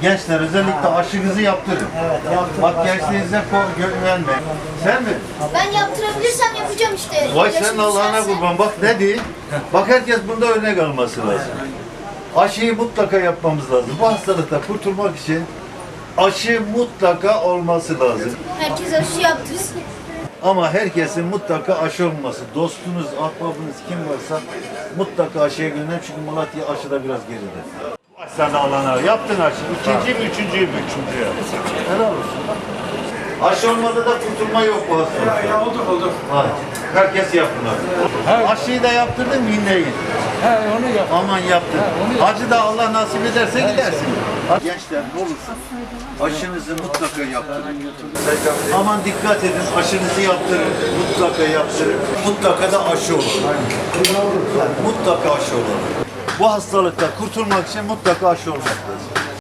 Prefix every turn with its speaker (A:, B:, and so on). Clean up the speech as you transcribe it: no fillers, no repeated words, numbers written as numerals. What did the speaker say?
A: Gençler özellikle aşınızı yaptırın. Bak gençliğinize güvenmeyin. Sen mi?
B: Ben yaptırabilirsem yapacağım işte.
A: Vay senin
B: Yaşım
A: Allah'ına
B: düşerse-
A: kurban. Bak ne diyeyim? Bak herkes bunda örnek alması lazım. Aşıyı mutlaka yapmamız lazım. Bu hastalıkta kurtulmak için aşı mutlaka olması lazım.
B: Herkes aşı yaptırsın.
A: Ama herkesin mutlaka aşı olması. Dostunuz, ahbabınız kim varsa mutlaka aşıya gönderin. Çünkü Malatya aşıda biraz geride. Sen de Allah'ına yaptın aşı. İkinci mi, üçüncüyü mü? Üçüncü. Helal olsun. Aşı olmadı da kurtulma yok bu hastalıkta.
C: Ya oldu.
A: Hadi. Herkes yapın abi. Aşıyı da yaptırdın mı yine git.
C: Onu yap.
A: Aman yaptın. Hacı da Allah nasip ederse gidersin. Gençler ne olursa aşınızı mutlaka yaptırın. Aman dikkat edin, aşınızı yaptırın. Mutlaka yaptırın. Mutlaka da aşı olun. Mutlaka aşı olun. Bu hastalıkta kurtulmak için mutlaka aşı olmak lazım.